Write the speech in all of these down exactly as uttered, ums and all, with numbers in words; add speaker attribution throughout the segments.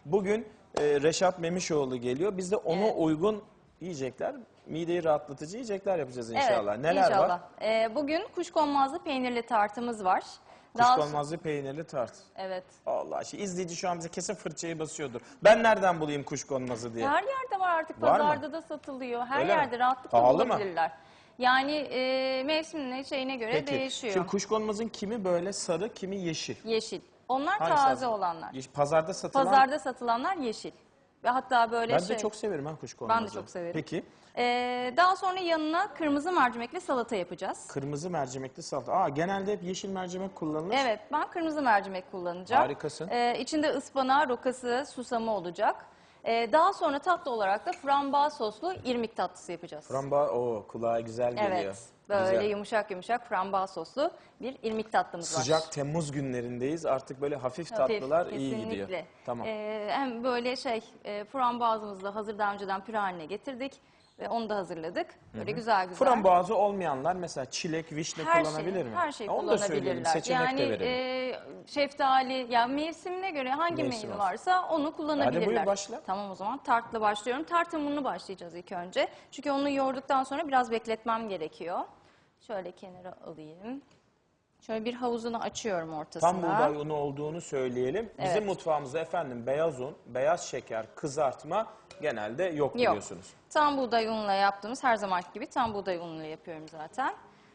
Speaker 1: Bugün e, Reşat Memişoğlu geliyor. Biz de ona
Speaker 2: Evet.
Speaker 1: uygun yiyecekler, mideyi rahatlatıcı yiyecekler yapacağız inşallah.
Speaker 2: Evet,
Speaker 1: Neler
Speaker 2: inşallah.
Speaker 1: var?
Speaker 2: Ee, bugün kuşkonmazlı peynirli tartımız var. Daha
Speaker 1: Kuşkonmazlı peynirli tart.
Speaker 2: Evet.
Speaker 1: Allah aşkına izleyici şu an bize kesin fırçayı basıyordur. Ben nereden bulayım kuşkonmazı diye.
Speaker 2: Her yerde var artık,
Speaker 1: Var mı?
Speaker 2: pazarda da satılıyor. Her
Speaker 1: Öyle mi?
Speaker 2: yerde rahatlıkla
Speaker 1: Pahalı mı?
Speaker 2: bulabilirler. Yani e, mevsimine, şeyine göre
Speaker 1: Peki.
Speaker 2: değişiyor.
Speaker 1: Şimdi kuşkonmazın kimi böyle sarı, kimi yeşil.
Speaker 2: Yeşil. Onlar
Speaker 1: Hangisi
Speaker 2: taze
Speaker 1: lazım?
Speaker 2: olanlar.
Speaker 1: Yeşil. Pazarda satılan.
Speaker 2: Pazarda satılanlar yeşil. Ve hatta böyle
Speaker 1: Ben
Speaker 2: şey...
Speaker 1: de çok severim ha kuşkonmazı.
Speaker 2: Ben de çok severim.
Speaker 1: Peki.
Speaker 2: Ee, daha sonra yanına kırmızı mercimekli salata yapacağız.
Speaker 1: Kırmızı mercimekli salata. Aa, genelde hep yeşil mercimek kullanılır.
Speaker 2: Evet, ben kırmızı mercimek kullanacağım.
Speaker 1: Harikasın.
Speaker 2: Ee, içinde ıspanağı, rokası, susamı olacak. Ee, daha sonra tatlı olarak da frambuaz soslu irmik tatlısı yapacağız.
Speaker 1: Frambuaz, o kulağa güzel geliyor.
Speaker 2: Evet, böyle
Speaker 1: Güzel.
Speaker 2: yumuşak yumuşak frambuaz soslu bir irmik tatlımız var.
Speaker 1: Sıcak Temmuz günlerindeyiz. Artık böyle hafif,
Speaker 2: Hafif,
Speaker 1: tatlılar iyi
Speaker 2: kesinlikle.
Speaker 1: gidiyor. Tamam.
Speaker 2: Ee, hem böyle şey, e, frambuazımızı da hazır daha önceden püre haline getirdik ve onu da hazırladık. Böyle güzel güzel.
Speaker 1: Frambuazı olmayanlar mesela çilek, vişne
Speaker 2: Her
Speaker 1: kullanabilir
Speaker 2: şey,
Speaker 1: mi?
Speaker 2: her şey
Speaker 1: Onu da söyleyelim,
Speaker 2: kullanabilirler.
Speaker 1: seçenek
Speaker 2: Yani
Speaker 1: de verelim.
Speaker 2: e, şeftali, ya mevsimine göre hangi
Speaker 1: Mevsim
Speaker 2: meyve
Speaker 1: olsun.
Speaker 2: varsa onu kullanabilirler.
Speaker 1: Hadi buyur başla.
Speaker 2: Tamam, o zaman tartla başlıyorum. Tart hamurunu başlayacağız ilk önce. Çünkü onu yoğurduktan sonra biraz bekletmem gerekiyor. Şöyle kenara alayım. Şöyle bir havuzunu açıyorum ortasına.
Speaker 1: Tam buğday unu olduğunu söyleyelim. Bizim
Speaker 2: Evet.
Speaker 1: mutfağımızda efendim beyaz un, beyaz şeker, kızartma genelde yok,
Speaker 2: Yok.
Speaker 1: biliyorsunuz.
Speaker 2: Tam buğday unuyla yaptığımız, her zamanki gibi tam buğday unuyla yapıyorum zaten.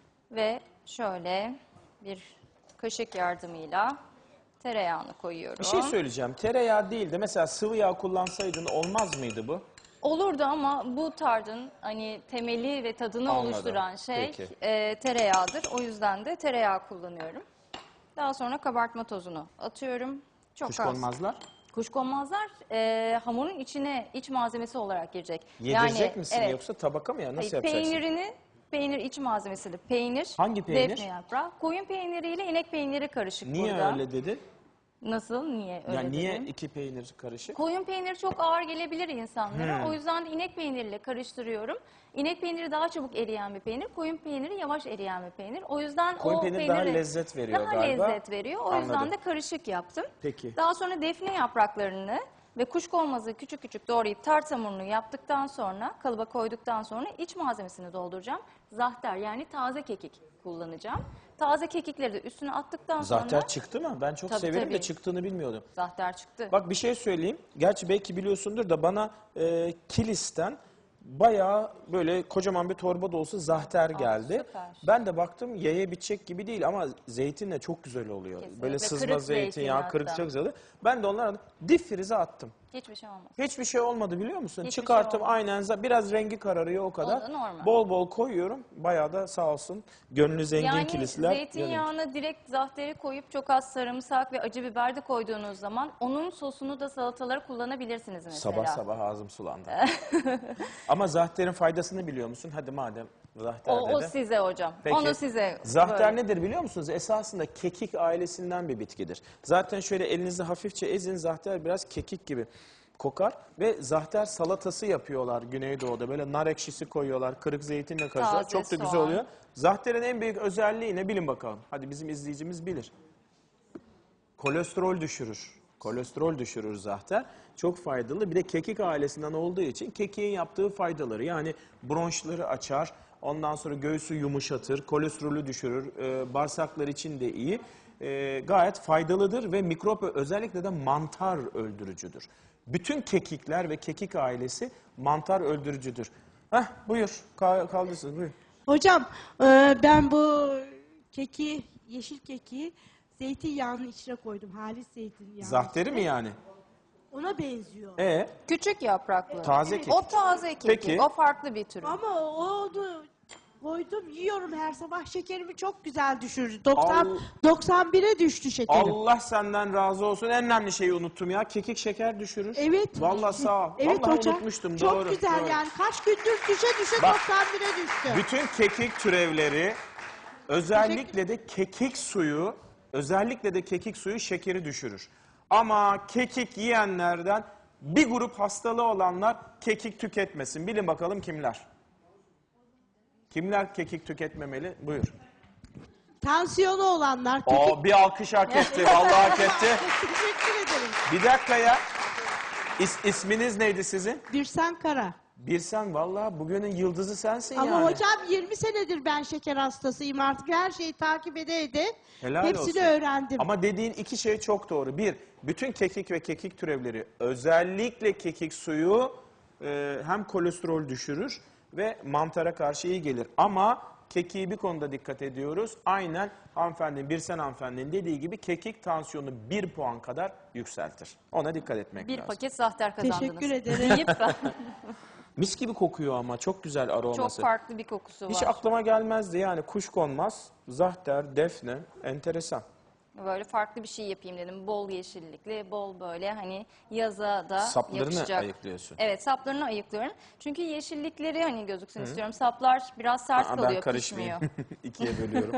Speaker 2: Ve şöyle bir kaşık yardımıyla tereyağını koyuyorum.
Speaker 1: Bir şey söyleyeceğim. Tereyağı değil de mesela sıvı yağ kullansaydın olmaz mıydı bu?
Speaker 2: Olurdu ama bu tardın hani temeli ve tadını
Speaker 1: Anladım.
Speaker 2: oluşturan şey
Speaker 1: Peki.
Speaker 2: e, tereyağıdır. O yüzden de tereyağı kullanıyorum. Daha sonra kabartma tozunu atıyorum. Çok az.
Speaker 1: Kuşkonmazlar.
Speaker 2: Kuşkonmazlar e, hamurun içine iç malzemesi olarak girecek.
Speaker 1: Yedirecek misin
Speaker 2: evet.
Speaker 1: yoksa tabaka mı ya? Nasıl
Speaker 2: Hayır,
Speaker 1: yapacaksın?
Speaker 2: Peynirini, peynir iç malzemesidir. Peynir,
Speaker 1: Hangi peynir?
Speaker 2: defne yaprağı, koyun peyniriyle inek peyniri karışık
Speaker 1: Niye
Speaker 2: burada.
Speaker 1: öyle dedin?
Speaker 2: Nasıl? Niye öyle
Speaker 1: Yani niye
Speaker 2: dedim?
Speaker 1: iki peynir karışık?
Speaker 2: Koyun peyniri çok ağır gelebilir insanlara.
Speaker 1: Hmm.
Speaker 2: O yüzden de inek peyniriyle karıştırıyorum. İnek peyniri daha çabuk eriyen bir peynir. Koyun peyniri yavaş eriyen bir peynir. O yüzden
Speaker 1: Koyun
Speaker 2: o
Speaker 1: peyniri daha
Speaker 2: peynirle-
Speaker 1: lezzet veriyor
Speaker 2: daha
Speaker 1: galiba.
Speaker 2: lezzet veriyor. O
Speaker 1: Anladım.
Speaker 2: yüzden de karışık yaptım.
Speaker 1: Peki.
Speaker 2: Daha sonra defne yapraklarını ve kuşkonmazı küçük küçük doğrayıp tart hamurunu yaptıktan sonra, kalıba koyduktan sonra iç malzemesini dolduracağım. Zahter, yani taze kekik kullanacağım. Taze kekikleri de üstüne attıktan sonra...
Speaker 1: Zahter çıktı mı? Ben çok
Speaker 2: Tabii,
Speaker 1: severim
Speaker 2: tabii.
Speaker 1: de çıktığını bilmiyordum.
Speaker 2: Zahter çıktı.
Speaker 1: Bak bir şey söyleyeyim. Gerçi belki biliyorsundur da bana e, Kilis'ten bayağı böyle kocaman bir torba dolusu zahter geldi.
Speaker 2: süper.
Speaker 1: Ben de baktım yaya bitecek gibi değil ama zeytinle çok güzel oluyor.
Speaker 2: Kesinlikle.
Speaker 1: Böyle sızma
Speaker 2: Kırık
Speaker 1: zeytinyağı,
Speaker 2: zeytin
Speaker 1: kırık
Speaker 2: hatta.
Speaker 1: çok güzel oluyor. Ben de onlara dip frize attım.
Speaker 2: Hiçbir şey olmaz.
Speaker 1: Hiçbir şey olmadı biliyor musun?
Speaker 2: Hiçbir
Speaker 1: Çıkarttım
Speaker 2: şey olmadı.
Speaker 1: aynen za- biraz rengi kararıyor o kadar.
Speaker 2: O da normal.
Speaker 1: Bol bol koyuyorum. Bayağı da sağ olsun gönlü zengin
Speaker 2: Yani
Speaker 1: kilisler. yanıyor.
Speaker 2: zeytinyağına direkt zahteri koyup çok az sarımsak ve acı biber de koyduğunuz zaman onun sosunu da salatalara kullanabilirsiniz mesela.
Speaker 1: Sabah sabah ağzım sulandı. Ama zahterin faydasını biliyor musun? Hadi madem zahter
Speaker 2: O, o
Speaker 1: dedi.
Speaker 2: size hocam.
Speaker 1: Peki,
Speaker 2: Onu size.
Speaker 1: Zahter
Speaker 2: böyle.
Speaker 1: nedir biliyor musunuz? Esasında kekik ailesinden bir bitkidir. Zaten şöyle elinizi hafifçe ezin, zahter biraz kekik gibi kokar. Ve zahter salatası yapıyorlar Güneydoğu'da. Böyle nar ekşisi koyuyorlar, kırık zeytinle karıştırıyorlar.
Speaker 2: Taze
Speaker 1: Çok da güzel
Speaker 2: soğan.
Speaker 1: oluyor. Zahterin en büyük özelliği ne bilin bakalım. Hadi bizim izleyicimiz bilir. Kolesterol düşürür. Kolesterol düşürür zahter. Çok faydalı. Bir de kekik ailesinden olduğu için kekiğin yaptığı faydaları. Yani bronşları açar. Ondan sonra göğsü yumuşatır. Kolesterolü düşürür. E, bağırsaklar için de iyi. E, gayet faydalıdır ve mikrop özellikle de mantar öldürücüdür. Bütün kekikler ve kekik ailesi mantar öldürücüdür. Heh, buyur. Ka kaldırsın. Buyur.
Speaker 3: Hocam e, ben bu keki, yeşil keki zeytinyağının içine koydum. Halis zeytinyağı.
Speaker 1: Zahteri mi yani?
Speaker 3: Ona benziyor.
Speaker 1: E
Speaker 2: Küçük yapraklı.
Speaker 1: Taze kekik.
Speaker 2: O taze kekik.
Speaker 1: Peki.
Speaker 2: O farklı bir tür.
Speaker 3: Ama onu koydum, yiyorum her sabah, şekerimi çok güzel düşürdü. doksan,
Speaker 1: Al-
Speaker 3: doksan bire düştü şekerim.
Speaker 1: Allah senden razı olsun. En önemli şeyi unuttum ya. Kekik şeker düşürür.
Speaker 3: Evet.
Speaker 1: Vallahi sağ ol.
Speaker 3: Evet
Speaker 1: Vallahi
Speaker 3: hocam.
Speaker 1: unutmuştum.
Speaker 3: Çok
Speaker 1: doğru.
Speaker 3: güzel
Speaker 1: doğru.
Speaker 3: yani. Kaç gündür düşe düşe
Speaker 1: Bak.
Speaker 3: doksan bire düştü.
Speaker 1: Bütün kekik türevleri özellikle de kekik suyu, özellikle de kekik suyu şekeri düşürür. Ama kekik yiyenlerden bir grup hastalığı olanlar kekik tüketmesin. Bilin bakalım kimler? Kimler kekik tüketmemeli? Buyur.
Speaker 3: Tansiyonu olanlar, kekik...
Speaker 1: O bir alkış hak etti. Vallahi hak etti.
Speaker 3: Teşekkür ederim.
Speaker 1: Bir dakika ya. İs, isminiz neydi sizin?
Speaker 3: Birsen Kara.
Speaker 1: Birsen, vallahi bugünün yıldızı sensin
Speaker 3: Ama
Speaker 1: yani.
Speaker 3: hocam yirmi senedir ben şeker hastasıyım artık. Her şeyi takip ede ede
Speaker 1: Helal
Speaker 3: hepsini
Speaker 1: olsun.
Speaker 3: öğrendim.
Speaker 1: Ama dediğin iki şey çok doğru. Bir, bütün kekik ve kekik türevleri, özellikle kekik suyu e, hem kolesterol düşürür ve mantara karşı iyi gelir. Ama kekiği bir konuda dikkat ediyoruz. Aynen hanımefendinin, Birsen hanımefendinin dediği gibi kekik tansiyonu bir puan kadar yükseltir. Ona dikkat etmek
Speaker 2: Bir
Speaker 1: lazım.
Speaker 2: paket zahter kazandınız.
Speaker 3: Teşekkür ederim.
Speaker 2: Deyip ben-
Speaker 1: Mis gibi kokuyor ama çok güzel aroması.
Speaker 2: çok farklı bir kokusu
Speaker 1: Hiç
Speaker 2: var.
Speaker 1: aklıma gelmezdi yani kuşkonmaz, zahter, defne, enteresan.
Speaker 2: Böyle farklı bir şey yapayım dedim. Bol yeşillikli, bol böyle hani yaza da
Speaker 1: Saplarını
Speaker 2: yakışacak.
Speaker 1: ayıklıyorsun.
Speaker 2: Evet, saplarını ayıklıyorum. Çünkü yeşillikleri hani gözüksün istiyorum. Saplar biraz sert
Speaker 1: Aa, ben
Speaker 2: kalıyor,
Speaker 1: karışmayayım.
Speaker 2: pişmiyor.
Speaker 1: İkiye bölüyorum.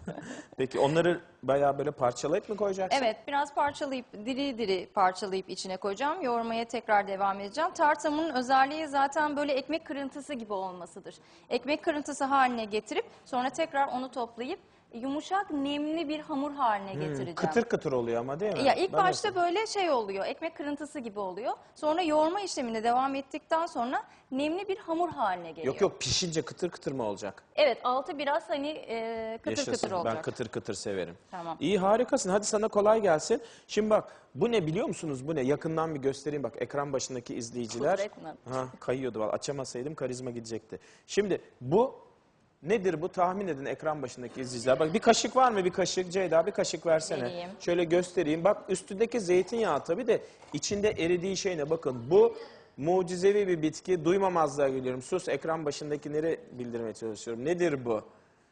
Speaker 1: Peki onları bayağı böyle parçalayıp mı koyacaksın?
Speaker 2: Evet, biraz parçalayıp, diri diri parçalayıp içine koyacağım. Yoğurmaya tekrar devam edeceğim. Tart hamurunun özelliği zaten böyle ekmek kırıntısı gibi olmasıdır. Ekmek kırıntısı haline getirip sonra tekrar onu toplayıp yumuşak, nemli bir hamur haline getireceğim.
Speaker 1: Hmm, Kıtır kıtır oluyor ama değil mi?
Speaker 2: Ya ilk
Speaker 1: Ben
Speaker 2: başta
Speaker 1: nasıl-
Speaker 2: böyle şey oluyor, ekmek kırıntısı gibi oluyor. Sonra yoğurma işlemine devam ettikten sonra nemli bir hamur haline geliyor.
Speaker 1: Yok yok, pişince kıtır kıtır mı olacak?
Speaker 2: Evet, altı biraz hani e, kıtır
Speaker 1: Yaşasın.
Speaker 2: kıtır olacak.
Speaker 1: Ben kıtır kıtır severim.
Speaker 2: Tamam.
Speaker 1: İyi, harikasın. Hadi sana kolay gelsin. Şimdi bak, bu ne biliyor musunuz? Bu ne? Yakından bir göstereyim bak, ekran başındaki izleyiciler.
Speaker 2: Kudret mi?
Speaker 1: Ha, kayıyordu vallahi. Açamasaydım karizma gidecekti. Şimdi bu nedir bu? Tahmin edin ekran başındaki izleyiciler. Bak, bir kaşık var mı? Bir kaşık. Ceyda, bir kaşık versene.
Speaker 2: Vereyim.
Speaker 1: Şöyle göstereyim. Bak, üstündeki zeytinyağı tabii de içinde eridiği şey ne? Bakın, bu mucizevi bir bitki. Duymamazlığa geliyorum. Sus, ekran başındakileri bildirmeye çalışıyorum. Nedir bu?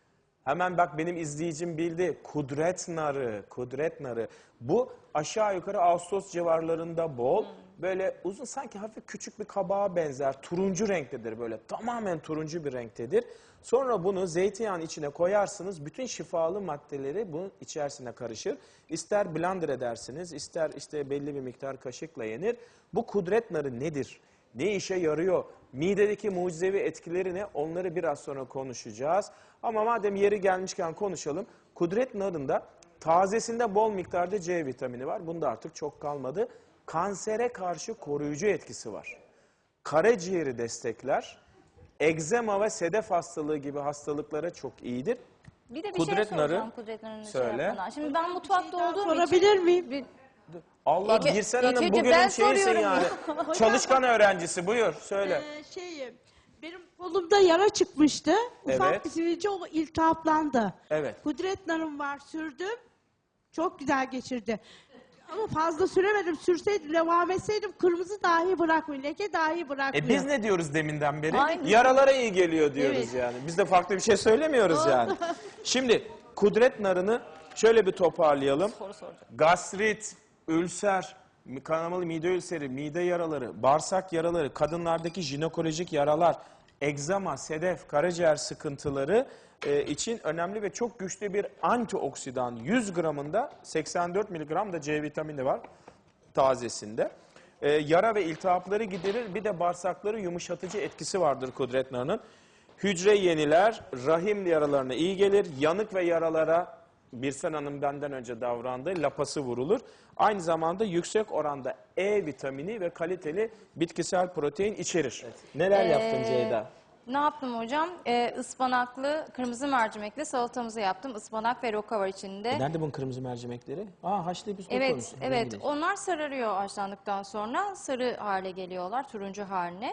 Speaker 1: Hemen bak, benim izleyicim bildi. Kudret narı, kudret narı. Bu aşağı yukarı Ağustos civarlarında bol. Böyle uzun, sanki hafif küçük bir kabağa benzer. Turuncu renktedir böyle. Tamamen turuncu bir renktedir. Sonra bunu zeytinyağının içine koyarsınız. Bütün şifalı maddeleri bunun içerisine karışır. İster blender edersiniz, ister işte belli bir miktar kaşıkla yenir. Bu kudret narı nedir? Ne işe yarıyor? Midedeki mucizevi etkileri ne? Onları biraz sonra konuşacağız. Ama madem yeri gelmişken konuşalım. Kudret narında tazesinde bol miktarda C vitamini var. Bunda artık çok kalmadı. Kansere karşı koruyucu etkisi var. Karaciğeri destekler. Egzema ve sedef hastalığı gibi hastalıklara çok iyidir.
Speaker 2: Bir de bir
Speaker 1: Kudret
Speaker 2: şey
Speaker 1: narı,
Speaker 2: soracağım Kudret narını şey
Speaker 1: söyle.
Speaker 2: yapmadan. Şimdi ben mutfakta
Speaker 3: daha
Speaker 2: olduğum
Speaker 3: sorabilir
Speaker 2: için...
Speaker 3: miyim?
Speaker 2: Bir-
Speaker 1: Allah,
Speaker 2: İlk-
Speaker 1: Birsen
Speaker 2: ilk
Speaker 1: Hanım
Speaker 2: önce
Speaker 1: bugünün
Speaker 2: ben
Speaker 1: şeyisin
Speaker 2: soruyorum
Speaker 1: yani.
Speaker 2: ya.
Speaker 1: Çalışkan öğrencisi, buyur söyle.
Speaker 3: Ee, şeyim, benim kolumda yara çıkmıştı. Ufak
Speaker 1: Evet.
Speaker 3: bir sivilce, o iltihaplandı.
Speaker 1: Evet.
Speaker 3: Kudret narım var, sürdüm. Çok güzel geçirdi. Ama fazla süremedim. Sürseydim, devam etseydim kırmızı dahi bırakmıyor. Leke dahi bırakmıyor.
Speaker 1: E biz ne diyoruz deminden beri?
Speaker 2: Aynen.
Speaker 1: Yaralara iyi geliyor diyoruz
Speaker 2: Evet.
Speaker 1: yani. Biz de farklı bir şey söylemiyoruz yani. Şimdi kudret narını şöyle bir toparlayalım.
Speaker 2: Soru soracağım.
Speaker 1: Gastrit, ülser, kanamalı mide ülseri, mide yaraları, bağırsak yaraları, kadınlardaki jinekolojik yaralar, egzama, sedef, karaciğer sıkıntıları e, için önemli ve çok güçlü bir antioksidan. yüz gramında seksen dört miligram da C vitamini var tazesinde. E, yara ve iltihapları giderir. Bir de bağırsakları yumuşatıcı etkisi vardır kudret narının. Hücre yeniler, rahim yaralarına iyi gelir. Yanık ve yaralara Birsen Hanım benden önce davrandı. Lapası vurulur. Aynı zamanda yüksek oranda E vitamini ve kaliteli bitkisel protein içerir. Neler yaptın
Speaker 2: Ee,
Speaker 1: Ceyda?
Speaker 2: Ne yaptım hocam? Ee, ıspanaklı, kırmızı mercimekli salatamızı yaptım. Ispanak ve roka var içinde.
Speaker 1: E nerede bunun kırmızı mercimekleri? Aa, haşlayıp üstüne
Speaker 2: Evet,
Speaker 1: koymuşsun.
Speaker 2: evet.
Speaker 1: Rengini.
Speaker 2: Onlar sararıyor haşlandıktan sonra. Sarı hale geliyorlar, turuncu haline.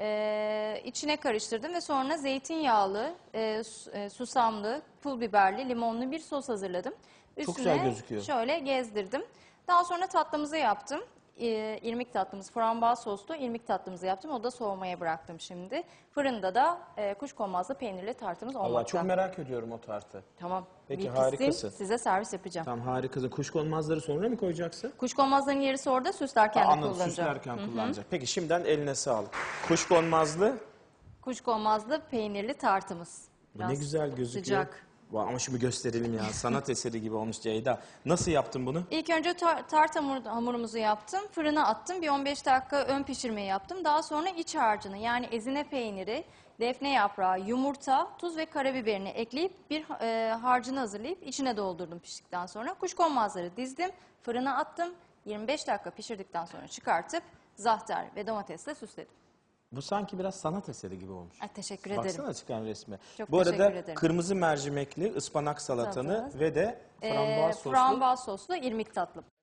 Speaker 2: Ee, içine karıştırdım ve sonra zeytinyağlı, e, su- e, susamlı, pul biberli, limonlu bir sos hazırladım.
Speaker 1: Çok
Speaker 2: Üstüne
Speaker 1: güzel gözüküyor.
Speaker 2: şöyle gezdirdim. Daha sonra tatlımızı yaptım. Ee, irmik tatlımız, frambuaz soslu irmik tatlımızı yaptım. O da soğumaya bıraktım şimdi. Fırında da e, kuşkonmazlı peynirli tartımız olmakta.
Speaker 1: Allah, çok merak ediyorum o tartı.
Speaker 2: Tamam.
Speaker 1: Peki,
Speaker 2: bir pişsin,
Speaker 1: harikasın.
Speaker 2: size servis yapacağım.
Speaker 1: Tamam, harikasın. Kuşkonmazları sonra mı koyacaksın?
Speaker 2: Kuşkonmazların yerisi orada, süslerken de
Speaker 1: Anladım,
Speaker 2: kullanacağım.
Speaker 1: süslerken kullanacak. Peki, şimdiden eline sağlık. Kuşkonmazlı.
Speaker 2: Kuşkonmazlı peynirli tartımız.
Speaker 1: Bu
Speaker 2: Biraz
Speaker 1: ne güzel gözüküyor.
Speaker 2: Sıcak.
Speaker 1: Vay, ama şimdi gösterelim ya. Sanat eseri gibi olmuş Ceyda. Nasıl yaptın bunu?
Speaker 2: İlk önce tar- tart hamur- hamurumuzu yaptım. Fırına attım. Bir on beş dakika ön pişirmeyi yaptım. Daha sonra iç harcını, yani ezine peyniri, defne yaprağı, yumurta, tuz ve karabiberini ekleyip bir e, harcını hazırlayıp içine doldurdum piştikten sonra. Kuşkonmazları dizdim. Fırına attım. yirmi beş dakika pişirdikten sonra çıkartıp zahter ve domatesle süsledim.
Speaker 1: Bu sanki biraz sanat eseri gibi olmuş.
Speaker 2: Ay, teşekkür ederim.
Speaker 1: Baksana çıkan resme.
Speaker 2: Çok
Speaker 1: Bu arada
Speaker 2: teşekkür ederim.
Speaker 1: kırmızı mercimekli ıspanak salatanı
Speaker 2: Salatanız.
Speaker 1: ve de
Speaker 2: Ee,
Speaker 1: frambuaz soslu
Speaker 2: frambuaz soslu irmik tatlım.